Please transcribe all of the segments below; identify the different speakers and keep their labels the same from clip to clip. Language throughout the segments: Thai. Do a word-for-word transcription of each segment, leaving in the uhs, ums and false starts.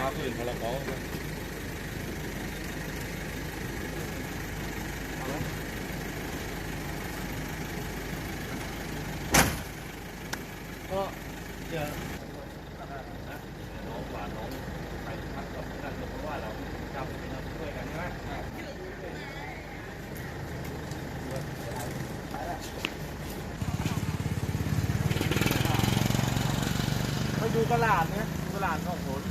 Speaker 1: ฝืนพรบก็เจอน้องหวานน้องไปพักกับนั่นเพราะว่าเราจำเป็นเราช่วยกันใช่ไหมไปดูตลาดนะตลาดของผล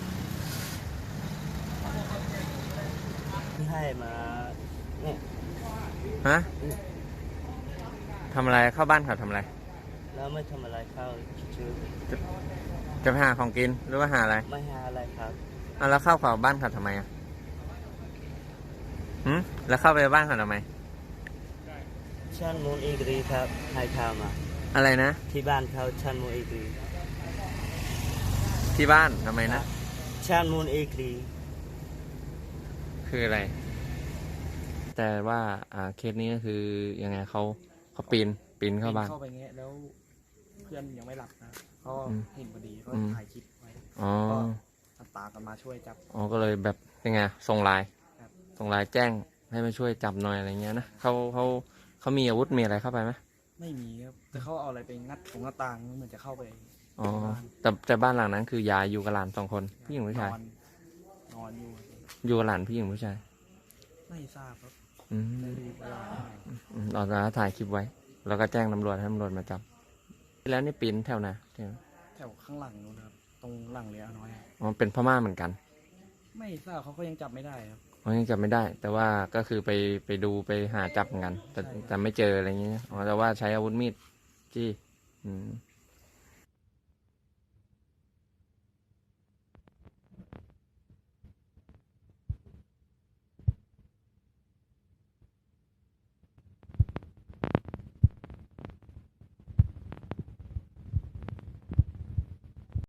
Speaker 2: ที่ให้มาเนี่ย
Speaker 3: ฮะทำอะไรเข้าบ้านเขาทำอะไร
Speaker 2: แล้วไม่ทำอะไรเข้าชื่อ
Speaker 3: จะจะไปหาของกินหรือว่าหาอะไร
Speaker 2: ไม่หาอะไรครับ
Speaker 3: อ่ะแล้วเข้าเขาบ้านเขาทำไมอ่ะหืมแล้วเข้าไปบ้านเขาทำไม
Speaker 2: ชันมูลอีกรีครับให้ข้าวมา
Speaker 3: อะไรนะ
Speaker 2: ที่บ้านเขาชันมูลอีกรี
Speaker 3: ที่บ้านทำไมนะ
Speaker 2: ชันมูลอีกรี
Speaker 3: คืออะไรแต่ว่าอ่าเคสนี้ก็คือยังไงเขาเขาปีนปีนเข้าบ้าน
Speaker 1: เข้าไปเงี้ยแล้วเพื่อนยังไม่หลับนะก็เห็นพอดีก็ถ่ายคลิปไว้
Speaker 3: อ๋อ
Speaker 1: ก็ตามกันมาช่วยจับ
Speaker 3: อ๋อก็เลยแบบยังไงส่งไลน์ส่งไลน์แจ้งให้มาช่วยจับหน่อยอะไรเงี้ยนะเขาเขาเขามีอาวุธมีอะไรเข้าไปไหม
Speaker 1: ไม่มีครับแต่เขาเอาอะไรไปงัดของหน้าต่างเหมือนจะเข้าไป
Speaker 3: อ๋อแต่แต่บ้านหลังนั้นคือยายอยู่กับหลานสองคนพี่หญิงผู้ชาย
Speaker 1: นอนอยู่
Speaker 3: อยู่กับหลานพี่หญิงผู้ชาย
Speaker 1: ไม่ทราบครับ
Speaker 3: อืมเราจะถ่ายคลิปไว้แล้วก็แจ้งตำรวจให้ตำรวจมาจับแล้วนี่ปีนแถวไหนแถว
Speaker 1: แถวข้างหลังนู้นครับตรงหลังเรือน้อย
Speaker 3: อ๋อเป็นพม่าเหมือนกัน
Speaker 1: ไม่ทราบเขาก็ยังจับไม่ได้ครับ
Speaker 3: เขายังจับไม่ได้แต่ว่าก็คือไปไปดูไปหาจับเหมือนกันแต่แต่ไม่เจออะไรเงี้ยอ๋อแต่ว่าใช้อาวุธมีดจี้อืม